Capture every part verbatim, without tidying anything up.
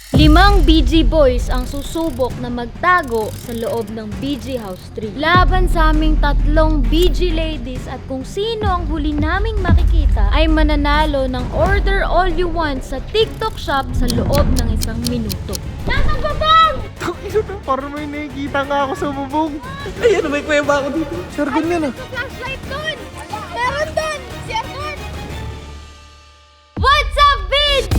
Limang B G boys ang susubok na magtago sa loob ng B G House three. Laban sa aming tatlong B G ladies at kung sino ang huli naming makikita ay mananalo ng order all you want sa TikTok shop sa loob ng isang minuto. Nasaan bubong? Parang may nakikita nga ako sa bubong. Ay, ano, may kuweba ako dito. Sure, ganyan ah. Flashlight dun! Meron dun! Si Argon! What's up, B G?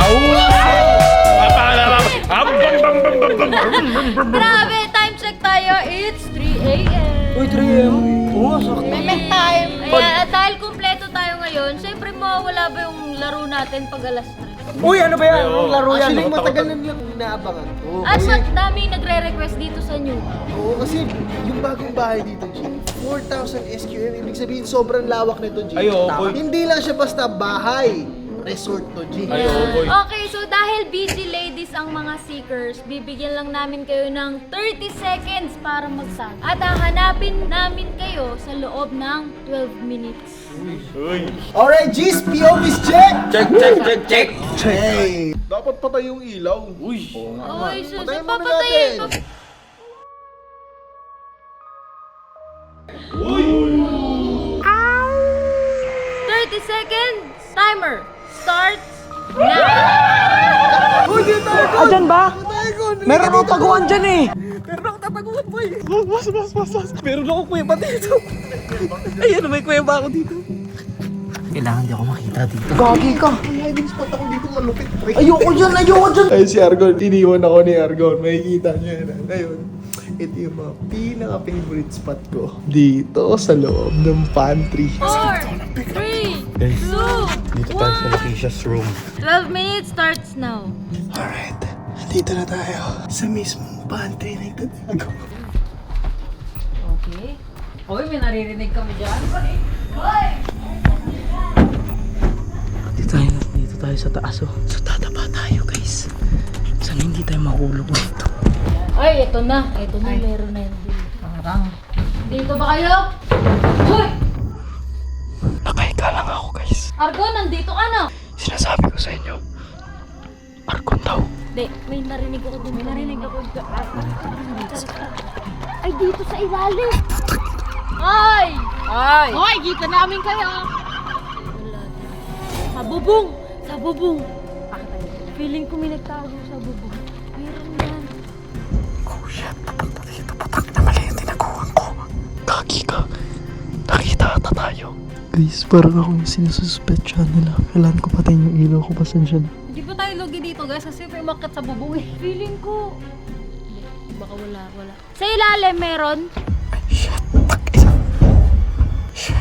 Grabe, time check tayo. It's three A M Uy, three A M Oo, sakto. May time. Ayan, at dahil kumpleto tayo ngayon, syempre mawawala ba yung laro natin pag alas tres? Uy, ano ba yan? Anong laro yan? Actually, matagal na nilang inaabangan ko. At Kasi, sa daming nagre-request dito sa new. oo, kasi yung bagong bahay dito, G, four thousand S Q M, ibig sabihin sobrang lawak nito, G. Ay, oo, boy. Hindi lang siya basta bahay. Resort to, G. Ay, oo, boy. Okay, so dahil B G ladies ang mga seekers, bibigyan lang namin kayo ng thirty seconds para magsabi. At hahanapin namin kayo sa loob ng twelve minutes. Uy. Alright, G's, P O V's check! Check, check, check, check. Hey! Dapat patay yung ilaw. Uy. Oy, sus, Patayin muna papatayin. natin. pap- thirty seconds. Timer starts now. Uy, dito tayo! Ah, dyan ba? Tayo, Meron akong taguan dyan eh! Meron akong tataguan, boy. Bas, bas, bas, bas. Meron akong kuweba dito. Ay, ano, may kuweba ako dito. Kailangan di ako makita dito. Gagi ka! May hiding spot ako dito malupit. Ayoko dyan! Ayoko dyan! Ay, si Argon, iniwan ako ni Argon. Makikita niyo yan. Ngayon, ito yung mga pinaka-favorite spot ko. Dito sa loob ng pantry. Four, three, two, Dito tayo sa one. Lakeisha's room. twelve minutes starts now. Alright, dito na tayo sa mismong pantry na itatago. Okay. Hoy, may naririnig kami dyan. Dito tayo, dito tayo sa taas oh. So tataba tayo guys. Sana hindi tayo mahulog dito. Ay, ito na. Ito na, meron na yun. Parang. Dito ba kayo? Hoy! Nakahiga lang ako guys. Argon, nandito ka na. Sinasabi ko sa inyo. Argon daw. Hindi, may narinig ako dun. May narinig ako dun. Ay, dito sa ilalim. Ay! Ay! Hoy, kita namin kayo. Sa bubong. Sa bubong. Feeling ko may nagtago sa bubong. Meron yan. Oh shit, papunta dito. Patak na mali yung tinakuhan ko. Gagi ka. Nakita ata tayo. Guys, parang ako yung sinususpetsyahan nila. Kailangan ko patayin yung ilaw ko. Pasensya na. Hindi pa tayo lugi dito guys kasi may umakyat sa bubong eh. Feeling ko. Hindi, baka wala, wala. Sa ilalim meron. Shit, tak ina. Shit.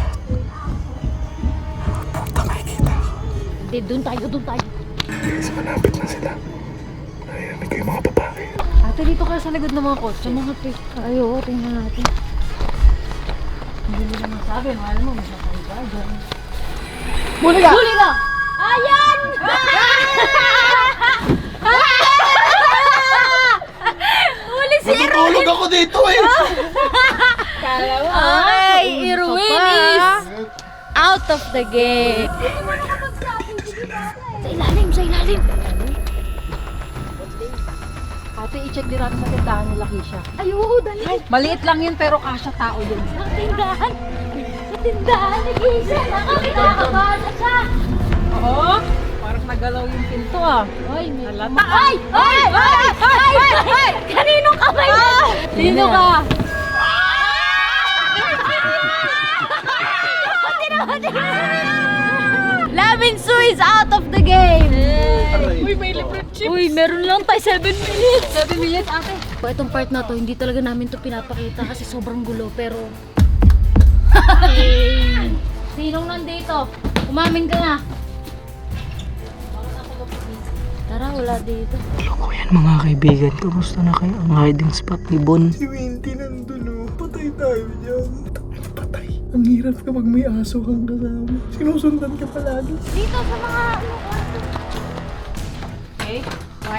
Puta, makikita ako. Hindi, dun tayo, dun tayo. Guys, malapit na sila. Narinig ko yung mga babae. Ate, dito kayo sa likod ng mga kotse. Mga pic. Ay, oo, tingnan natin. Hindi nila masabi. Mahal mo, masakay ka dyan. Huli ka! Huli ka! Ayan! Huli si Irwin! Matutulog ako dito eh! Kala mo, Ay, Irwin is out of the game. Sa ilalim, sa ilalim. Ate, i-check din natin sa tindahan nila, Kisha. Ay, oo, dali. Maliit lang yun pero kasya tao yun. Sa tindahan. Sa tindahan ni Kisha. Nakakakabahan na siya. Oo? Parang nagalaw yung pinto ah. Ay, may... Halata. Ay! Ay! Ay! Ay! Ay! Kaninong kamay mo? Sino ka? Lavin Su is out of the game! Uy, may libre chip. Uy, meron lang tayo seven minutes! seven minutes, ate. So, itong part na to, hindi talaga namin to pinapakita kasi sobrang gulo, pero... Sinong nandito? Umamin ka na! Tara, wala dito. Hello ko yan mga kaibigan. Kamusta na kayo ang hiding spot ni Bon? Si Winty nandun oh. Patay tayo dyan. Patay. Ang hirap kapag may aso kang kasama. Sinusundan ka palagi. Dito sa mga... ano, kwarto. Okay, why?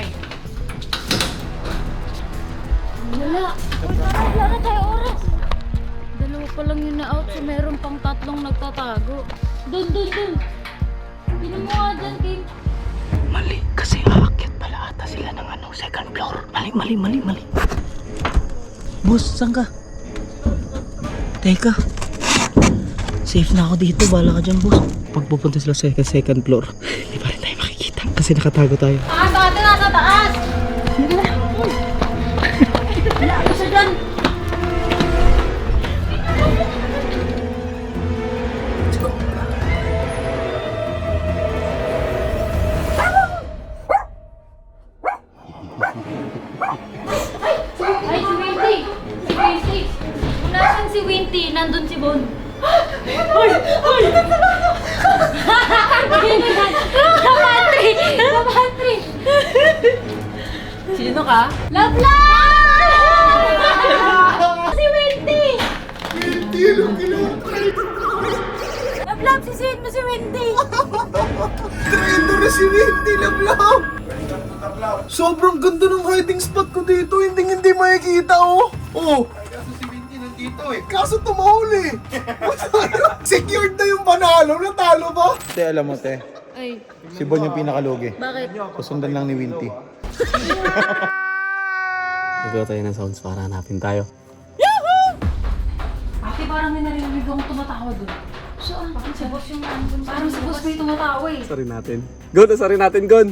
Wala. Wala na tayo oras. Dalawa pa lang yung na-out, so meron pang tatlong nagtatago. Dun, dun, dun. Hindi mo nga dyan, Kim. Mali, kasi aakyat pala ata sila ng mali, mali, mali. Boss, saan ka? Teka. Safe na ako dito. Bala ka dyan, boss. Pag pupunta sila sa second, second floor, hindi pa rin tayo makikita kasi nakatago tayo. Taas, taas, nasa taas! Hindi na. Wala ako siya dyan. Ay, si Winty! Si Winty! Kung nasan si Winty, nandun si Bon. Ay! Ay! Kapatri! Kapatri! Sino ka? Love life! Si Winty! Hindi, alam kinutry. Love life, sisihin mo si Winty! Traitor na si Winty, lablab. Sobrang ganda ng hiding spot ko dito. Hindi hindi makikita, oh. Oh. Kaso si Winty nandito eh. Kaso tumahuli. Secured na yung panalo. Natalo ba? Te, alam mo, te. Ay, Si Bon yung pinakalugi. bakit? Susundan lang ni Winty. Gagawa tayo ng sounds para hanapin tayo. Ate, parang may narinig akong tumatawa doon. Saan? Si boss yung nandun. Parang si boss may tumatawa eh. Sarin natin. Gon, sarin natin, Gon!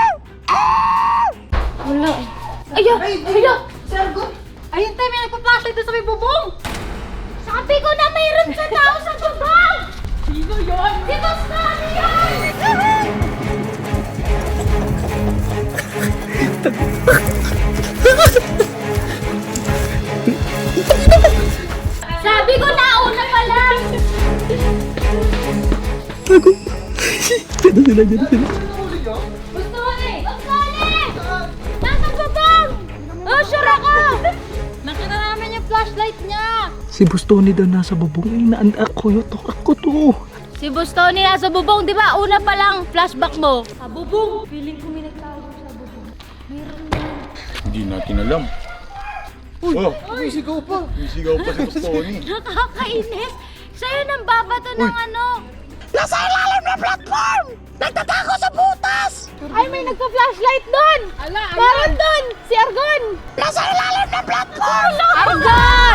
Wala eh. Ayo! Ayo! Sergo! Ayun tayo, may nagpa-flashlight doon sa may bubong! Sabi ko na mayroon sa tao sa bubong! Sino yun? Si Boss Tony yun! Sabi ko na una pa lang! Dito sila, dito sila. Boss Tony! Boss Tony! Nasa bubong! Oh, sure ako! Nakita namin yung flashlight niya! Si Bustoni daw nasa bubong. Inaan ako yun. Ako to. Si Boss Tony nasa bubong, di ba? Una pa lang, flashback mo. Sa bubong! Feeling ko may nagtawag sa bubong. Meron na. Hindi natin alam. Oh, May sigaw pa. may sigaw pa si Tony. Nakakainis! Sa'yo nang babato ng ano? Ay, may nagpa-flashlight doon! Ala, ala! Meron doon! Si Argon! Nasa ilalim ng platform! Argon!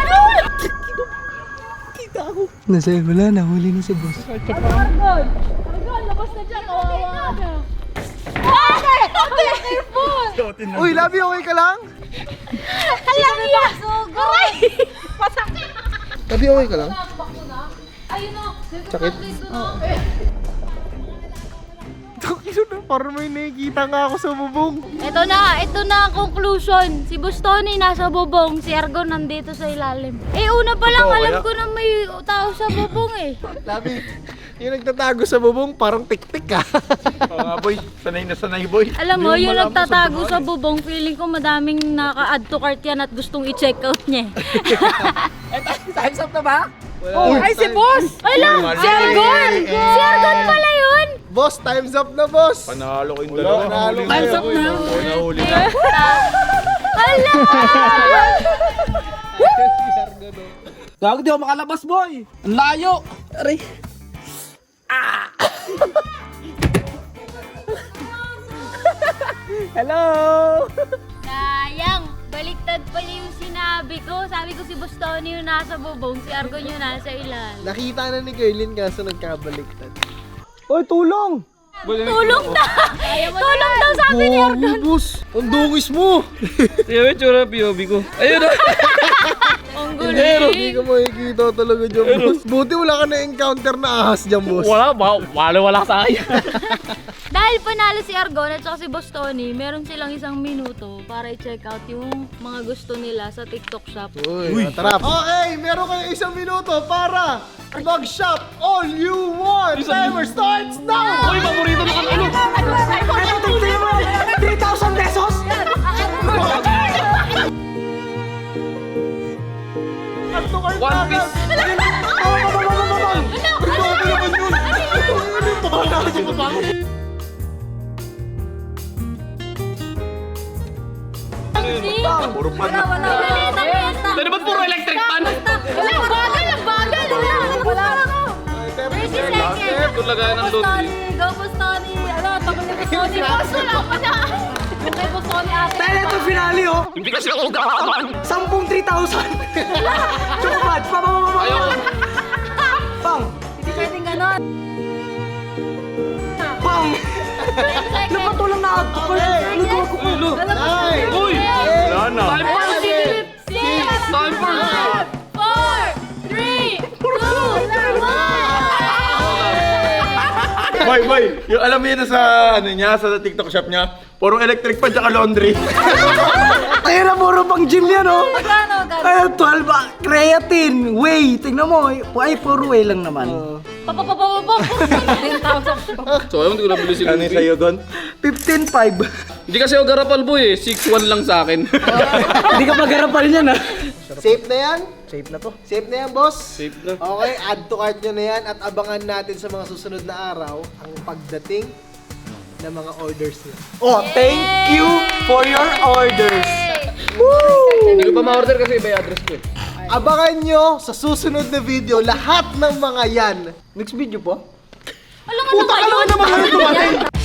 Nasa wala na. Huli na si boss. Argon! Argon, labas na dyan! Kawawa ka! Ate! Ate! Careful! Uy, Labi, okay ka lang? Alam niya! Aray! Masakit! Labi, okay ka lang? Ayun o! Sakit? Parang may nakikita nga ako sa bubong. Ito na, ito na ang conclusion. Si Boss Tony nasa bubong, si Argon nandito sa ilalim. Eh una pa lang, alam ko na may tao sa bubong eh. Labi, yung nagtatago sa bubong, parang tik-tik ah. Oo nga, boy. Sanay na sanay, boy. Alam mo, yung nagtatago sa bubong, feeling ko madaming naka-add to cart yan at gustong i-check out niya. Time's up na ba? Oh, Ay, si boss! Ay lang, si Argon! Si Argon pala yun! Boss, time's up na, boss. Panalo ko yung dalawa. panalo Nahuli kayo. na. Time's up na. Oo, nahuli na. Hala! Gago, di ako makalabas, boy! Ang layo! Aray! Hello! Sayang! Baliktad pala yung sinabi ko. Sabi ko si Boss Tony yung nasa bubong, si Argon yung nasa ilalim. Nakita na ni Gerlin kaso nagkabaliktad. Oy, tulong! Tulong na! Tulong daw sabi ni Argon! boss! Ang dungis mo! Sige, may tsura P O V ko. Ayun na! Ang Hindi guling! ka makikita talaga dyan, boss. Buti wala ka na-encounter na ahas dyan, boss. Wala, ba? Wala, wala sa akin. Dahil panalo si Argon at saka si Boss Tony, meron silang isang minuto para i-check out yung mga gusto nila sa TikTok shop. Uy, matarap. Okay, meron kayo isang minuto para mag-shop all you want. Timer starts now! Uy, paborito na kang ano? three thousand pesos? One piece. Puro pan na. Wala, wala. Dali ba't puro electric pan? Wala, bagal lang, bagal. Wala, wala. thirty seconds. Doon lagayan ng laundry. Go, Boss Tony. Ano, tagal ni Boss Tony. Boss, wala pa na. Kay Boss Tony ate. Tayo na ito, finale! Hindi kasi ako gaman. Sampung three thousand. Chocobad, pa, pa, pa, pa, pa. Pang. Hindi pwedeng ganon. Pang. Napatulang na ako. Lugaw ko po. Nine. Uy! Wala na. Time for five, four, three, two, one! Boy, boy, yung alam mo yun sa ano niya, sa TikTok shop niya, puro electric pa tsaka laundry. Ayun na, puro pang gym yan, oh. Gano, gano. Ayun, twelve, ah, creatine, whey. Tingnan mo, ay, puro whey lang naman. Papapapapapap. ten thousand. So ayaw, hindi ko nabili si Ano yung Luffy. sa'yo doon? fifteen five. Hindi kasi ako garapal boy eh. six one lang sa akin. Hindi ka magarapal niyan, ah. Safe na yan? Safe na to. Safe na yan, boss? Safe na. Okay, add to cart nyo na yan at abangan natin sa mga susunod na araw ang pagdating ng mga orders nyo. Oh, thank you for your orders. Hindi ko pa ma-order kasi iba yung address ko eh. Abangan nyo sa susunod na video lahat ng mga yan. Next video po? Alam mo Puta ka naman naman ano dumating!